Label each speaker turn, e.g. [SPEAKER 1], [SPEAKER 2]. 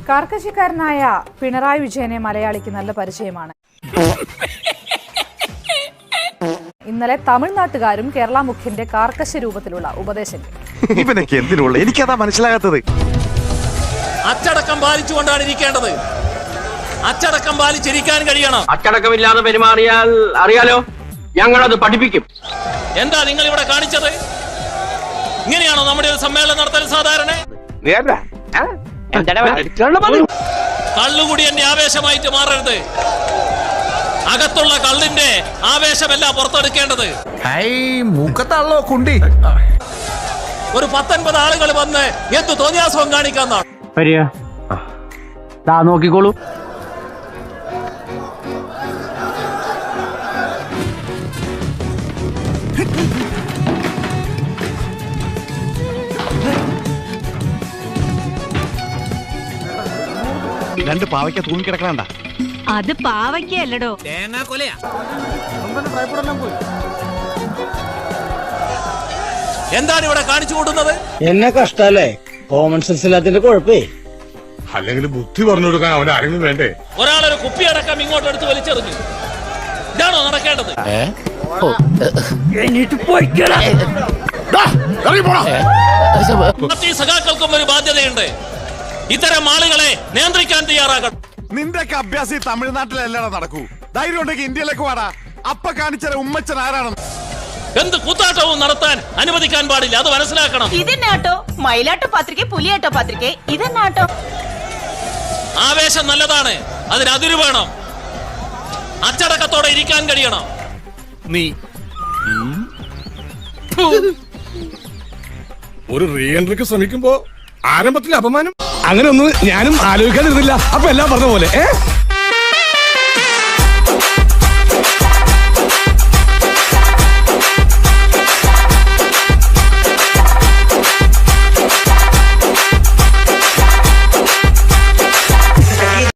[SPEAKER 1] കാർക്കശ്യക്കാരനായ പിണറായി വിജയനെ മലയാളിക്ക് നല്ല പരിചയമാണ്. ഇന്നലെ തമിഴ്നാട്ടുകാരും കേരള മുഖ്യന്റെ കാർക്കശ്യ രൂപത്തിലുള്ള ഉപദേശങ്ങൾ.
[SPEAKER 2] എനിക്കതാ മനസ്സിലാകാത്തത്.
[SPEAKER 3] അച്ചടക്കം പാലിച്ചുകൊണ്ടാണ് ഇരിക്കേണ്ടത്. അച്ചടക്കം പാലിച്ചിരിക്കാൻ കഴിയണം.
[SPEAKER 4] അച്ചടക്കമില്ലാതെ പെരുമാറിയാൽ അറിയാലോ, ഞങ്ങളത് പഠിപ്പിക്കും.
[SPEAKER 3] എന്താ നിങ്ങൾ ഇവിടെ കാണിച്ചത്? ഇങ്ങനെയാണോ നമ്മുടെ ഒരു സമ്മേളനം നടത്താൻ സാധാരണ? കള്ളുകൂടി എന്റെ ആവേശമായിട്ട് മാറരുത്. അകത്തുള്ള കള്ളിന്റെ ആവേശമല്ല പുറത്തെടുക്കേണ്ടത്. ഒരു 19 ആളുകൾ വന്ന് എന്ത് തോന്നിയാസവും കാണിക്കാന്നാണ്.
[SPEAKER 4] നോക്കിക്കോളൂ.
[SPEAKER 2] രണ്ട് പാവയ്ക്ക തൂങ്ങിക്കിടക്കണണ്ട.
[SPEAKER 5] അത് പാവയ്ക്കല്ലടോ,
[SPEAKER 3] തേങ്ങാ കൊലയാ. എന്താണ് ഇവിടെ കാണിച്ചു കൂട്ടുന്നത്?
[SPEAKER 6] എന്നെ കഷ്ടല്ലേ? Common sense ഇല്ലാത്തതിന്റെ കുഴപ്പേ.
[SPEAKER 7] അല്ലെങ്കിൽ ബുദ്ധി പറഞ്ഞു കൊടുക്കാൻ അവൻ ആരെങ്കിലും വേണ്ടേ?
[SPEAKER 3] ഒരാളൊരു കുപ്പി അടക്കം ഇങ്ങോട്ട് എടുത്ത് വലിച്ചെറിഞ്ഞു. ഇതാണോ നടക്കേണ്ടത്? പാർട്ടി സഖാക്കൾക്കും ഒരു ബാധ്യതയുണ്ട്. ഇത്തരം ആളുകളെ നിയന്ത്രിക്കാൻ തയ്യാറാകണം.
[SPEAKER 2] നിന്റെയൊക്കെ അഭ്യാസം ഈ തമിഴ്നാട്ടിലല്ലാതെ നടക്കൂ. ധൈര്യം ഉണ്ടെങ്കിൽ ഇന്ത്യയിലേക്ക് വാടാ. അപ്പ കാണിച്ച ഉമ്മച്ചൻ ആരാണെന്ന്
[SPEAKER 3] എന്ത് കൂത്താട്ടവും നടത്താൻ അനുവദിക്കാൻ പാടില്ല. അത് മനസ്സിലാക്കണം.
[SPEAKER 5] ഇതെന്നാട്ടോ മയിലാട്ടോ പത്രിക, പുലിയാട്ടോ പത്രിക, ഇതെന്നാട്ടോ?
[SPEAKER 3] ആവേശം നല്ലതാണ്, അതിന് അതിര് വേണം. അച്ചടക്കത്തോടെ ഇരിക്കാൻ കഴിയണം.
[SPEAKER 2] നീ
[SPEAKER 7] ഒരു റീ എൻട്രിക്ക് ശ്രമിക്കുമ്പോ ആരംഭത്തിൽ അപമാനം. അങ്ങനെ ഒന്നും ഞാനും ആലോചിക്കാതിരുന്നില്ല. അപ്പൊ എല്ലാം പറഞ്ഞ പോലെ